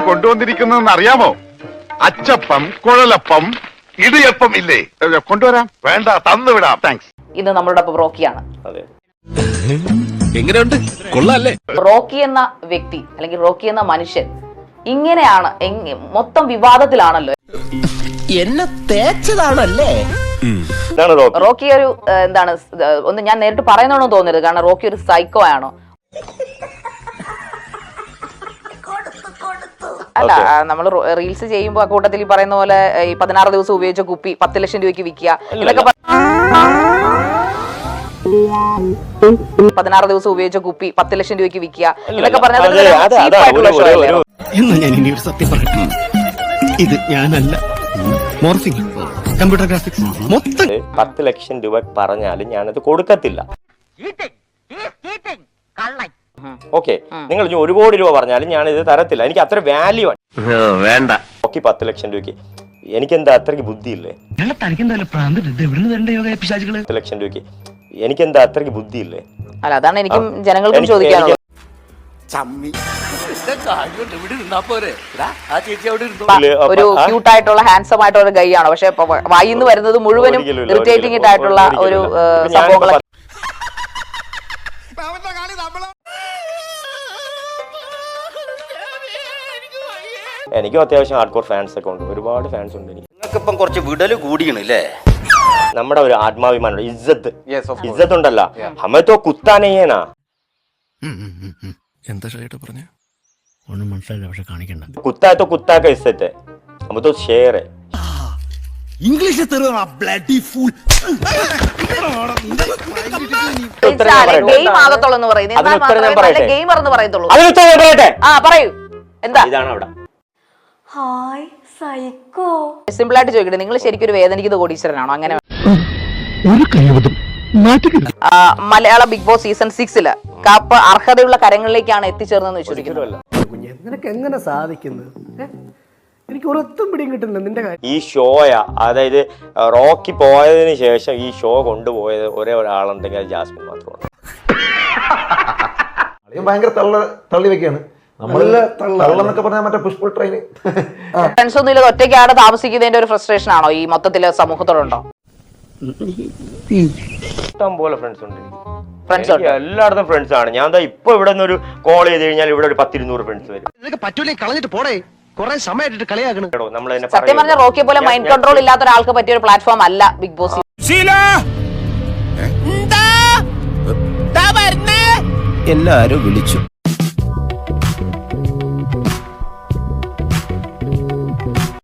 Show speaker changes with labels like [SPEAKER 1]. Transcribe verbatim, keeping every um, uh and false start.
[SPEAKER 1] കൊണ്ടുവന്നിരിക്കുന്നതെന്ന് അറിയാമോ? അച്ചപ്പം, കുഴലപ്പം, ഇടിയപ്പം ഇല്ലേ? കൊണ്ടുവരാം. വേണ്ട, തന്നുവിടാം. താങ്ക്സ്.
[SPEAKER 2] ഇന്ന് നമ്മളുടെ റോക്കിയാണ്.
[SPEAKER 3] എങ്ങനെയുണ്ട്? കൊള്ളാല്ലേ?
[SPEAKER 2] റോക്കി എന്ന വ്യക്തി അല്ലെങ്കിൽ റോക്കി എന്ന മനുഷ്യൻ ഇങ്ങനെയാണ്, മൊത്തം വിവാദത്തിലാണല്ലോ.
[SPEAKER 4] എന്നെ തേച്ചതാണല്ലേ?
[SPEAKER 2] റോക്കി ഒരു എന്താണ്, ഒന്ന് ഞാൻ നേരിട്ട് പറയുന്നതാണോ തോന്നരുത്, കാരണം റോക്കി ഒരു സൈക്കോ ആണോ? അല്ല, നമ്മൾ റീൽസ് ചെയ്യുമ്പോൾ ആ കൂട്ടത്തിൽ ഈ പറയുന്ന പോലെ ഈ പതിനാറ് ദിവസം ഉപയോഗിച്ച കുപ്പി പത്ത് ലക്ഷം രൂപയ്ക്ക് വിൽക്കുക, ഇതൊക്കെ പതിനാറ് ദിവസം ഉപയോഗിച്ച കുപ്പി പത്ത് ലക്ഷം രൂപയ്ക്ക് വിൽക്കുക, ഇതൊക്കെ പറഞ്ഞത്
[SPEAKER 4] സത്യം പറയട്ടെ, ഇത് ഞാനല്ല, മോർഫിംഗ് കമ്പ്യൂട്ടർ ഗ്രാഫിക്സ് മൊത്തം
[SPEAKER 5] പത്ത് ലക്ഷം രൂപ പറഞ്ഞാലും ഞാനത് കൊടുക്കത്തില്ല. ഓക്കെ, നിങ്ങൾ ഒരു കോടി രൂപ പറഞ്ഞാലും ഞാൻ ഇത് തരത്തില്ല. എനിക്ക് അത്ര വാല്യൂ വേണ്ട. ഓക്കെ, പത്ത് ലക്ഷം രൂപയ്ക്ക് എനിക്കെന്താ അത്രയ്ക്ക് ബുദ്ധിയില്ലേ? പത്ത് ലക്ഷം രൂപയ്ക്ക് എനിക്കെന്താ അത്രയ്ക്ക് ബുദ്ധിയില്ലേ?
[SPEAKER 2] അല്ല, അതാണ് എനിക്കും ജനങ്ങൾക്കും ചോദിക്കാനുള്ളത്. ഒരു ക്യൂട്ട് ആയിട്ടുള്ള ഹാൻസം ആയിട്ടുള്ള ഒരു ഗൈ ആണ്, പക്ഷെ വായിന്ന് വരുന്നത് മുഴുവനും ഇറിറ്റേറ്റിംഗ് ആയിട്ടുള്ള ഒരു സംഭവങ്ങളൊക്കെ.
[SPEAKER 5] എനിക്കും അത്യാവശ്യം ഹാർഡ് കോർ ഫാൻസ് ഒക്കെ ഉണ്ട്, ഒരുപാട് ഫാൻസ് ഉണ്ട്. എനിക്ക്
[SPEAKER 6] നിങ്ങൾക്കിപ്പം കുറച്ച് വിടല് കൂടിയണല്ലേ?
[SPEAKER 5] നമ്മുടെ ഒരു ആത്മാഭിമാനം, ഇജ്ജത്ത് ഇജ്ജത്ത് ഉണ്ടല്ലോ, ഹമത്തോ കുത്താനേനാ.
[SPEAKER 3] എന്താ ഷൈട്ട് പറഞ്ഞ
[SPEAKER 4] ഒന്നും മനസ്സിലായില്ല, പക്ഷെ കാണിക്കണ്ട.
[SPEAKER 5] കുത്താത്തോ കുത്താക്ക ഇസ്സത്തെ ഹമത്തോ ഷേർ
[SPEAKER 4] ഇംഗ്ലീഷ്
[SPEAKER 5] ഇതാണ് അവിടെ.
[SPEAKER 2] സിമ്പിൾ ആയിട്ട് ചോദിക്കട്ടെ, നിങ്ങൾ ശരിക്കും ഒരു വേദനിക്കുന്ന കോടീശ്വരനാണോ? അങ്ങനെ മലയാള ബിഗ് ബോസ് സീസൺ സിക്സില് കാപ്പ് അർഹതയുള്ള കരങ്ങളിലേക്കാണ് എത്തിച്ചേർന്നെന്ന് വിശ്വസിക്കുന്നത്.
[SPEAKER 7] നിനക്ക് എങ്ങനെ സാധിക്കുന്നത്? എനിക്ക് ഒരൊത്തും പിടിയും കിട്ടുന്നില്ല നിന്റെ കാര്യം.
[SPEAKER 5] ഈ ഷോയ, അതായത് റോക്കി പോയതിനു ശേഷം ഈ ഷോ കൊണ്ടുപോയത് ഒരേ ഒരാളുണ്ടെങ്കിൽ അത് ജാസ്മിൻ മാത്രമാണ്.
[SPEAKER 8] ഭയങ്കര തള്ള തള്ളി വെക്കാണ് നമ്മളെന്നൊക്കെ പറഞ്ഞാൽ മറ്റേ പുഷ്പ ട്രെയിൻ.
[SPEAKER 2] ഫ്രണ്ട്സ് ഒന്നും ഇല്ല, ഒറ്റയ്ക്കാണ് താമസിക്കുന്നതിന്റെ ഒരു ഫ്രസ്ട്രേഷൻ ആണോ ഈ മൊത്തത്തില് സമൂഹത്തോടുണ്ടോ?
[SPEAKER 5] ഇഷ്ടം പോലെ ഫ്രണ്ട്സ് ഉണ്ട്,
[SPEAKER 2] ഫ്രണ്ട്സ് ഉണ്ട്,
[SPEAKER 5] എല്ലായിടത്തും ഫ്രണ്ട്സ് ആണ്. ഞാൻ ഇപ്പൊ ഇവിടെ നിന്ന് ഒരു കോൾ ചെയ്ത് കഴിഞ്ഞാൽ ഇവിടെ ഒരു പത്തിരുന്നൂറ് ഫ്രണ്ട്സ് വരും.
[SPEAKER 4] പറ്റൂലേ, കളഞ്ഞിട്ട് പോടേ, കുറെ സമയമായിട്ട് കളിയാക്കണം.
[SPEAKER 2] സത്യം പറഞ്ഞ റോക്കിയെ പോലെ മൈൻഡ് കൺട്രോൾ ഇല്ലാത്ത ഒരാൾക്ക് പറ്റിയ ഒരു പ്ലാറ്റ്ഫോം അല്ല ബിഗ് ബോസ്.
[SPEAKER 4] എല്ലാരും വിളിച്ചു.